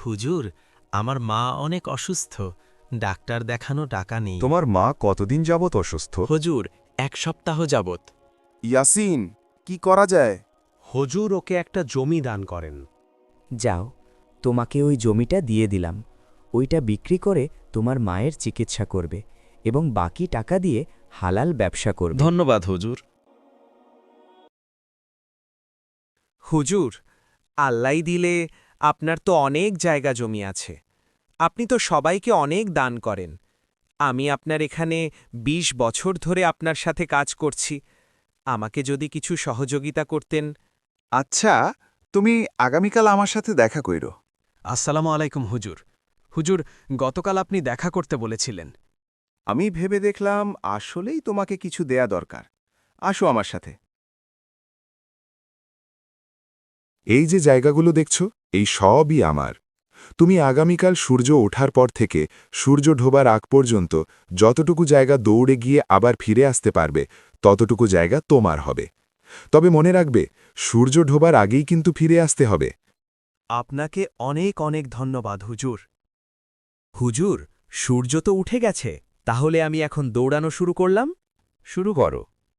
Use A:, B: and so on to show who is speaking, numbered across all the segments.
A: হুজুর, আমার মা অনেক অসুস্থ, ডাক্তার দেখানো টাকা নেই।
B: তোমার মা কতদিন যাবত অসুস্থ?
A: হুজুর, 1 সপ্তাহ যাবত।
C: ইয়াসিন, কি করা যায়?
D: হুজুর ওকে একটা জমি দান করেন।
E: যাও, তোমাকে ওই জমিটা দিয়ে দিলাম। ওইটা বিক্রি করে তোমার মায়ের চিকিৎসা করবে এবং বাকি টাকা দিয়ে হালাল ব্যবসা করবে।
F: ধন্যবাদ হুজুর।
D: হুজুর, আল্লাই দিলে আপনার তো অনেক জায়গা জমি আছে। আপনি তো সবাইকে অনেক দান করেন। আমি আপনার এখানে ২০ বছর ধরে আপনার সাথে কাজ করছি। আমাকে যদি কিছু সহযোগিতা করতেন।
C: আচ্ছা, তুমি আগামীকাল আমার সাথে দেখা কইরো।
G: আসসালামু আলাইকুম হুজুর। হুজুর, গতকাল আপনি দেখা করতে বলেছিলেন।
C: আমি ভেবে দেখলাম আসলেই তোমাকে কিছু দেয়া দরকার। আসো আমার সাথে।
B: এই যে জায়গাগুলো দেখছ, এই সবই আমার। তুমি আগামীকাল সূর্য ওঠার পর থেকে সূর্য ঢোবার আগ পর্যন্ত যতটুকু জায়গা দৌড়ে গিয়ে আবার ফিরে আসতে পারবে, ততটুকু জায়গা তোমার হবে। তবে মনে রাখবে, সূর্য ঢোবার আগেই কিন্তু ফিরে আসতে হবে।
D: আপনাকে অনেক অনেক ধন্যবাদ হুজুর। হুজুর, সূর্য তো উঠে গেছে, তাহলে আমি এখন দৌড়ানো শুরু করলাম।
B: শুরু করো।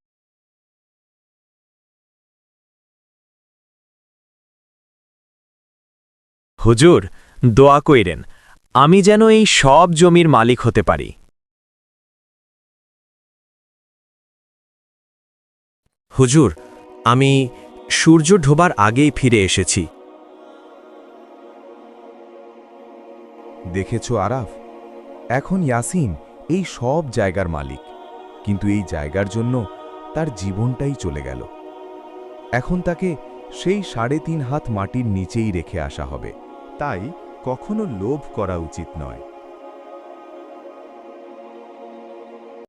H: হুজুর, দোয়া কইরেন আমি যেন এই সব জমির মালিক হতে পারি।
D: হুজুর, আমি সূর্য ঢোবার আগেই ফিরে এসেছি।
B: দেখেছ আরাফ, এখন ইয়াসিন এই সব জায়গার মালিক, কিন্তু এই জায়গার জন্য তার জীবনটাই চলে গেল। এখন তাকে সেই ৩.৫ হাত মাটির নিচেই রেখে আসা হবে। তাই কখনো লোভ করা উচিত নয়।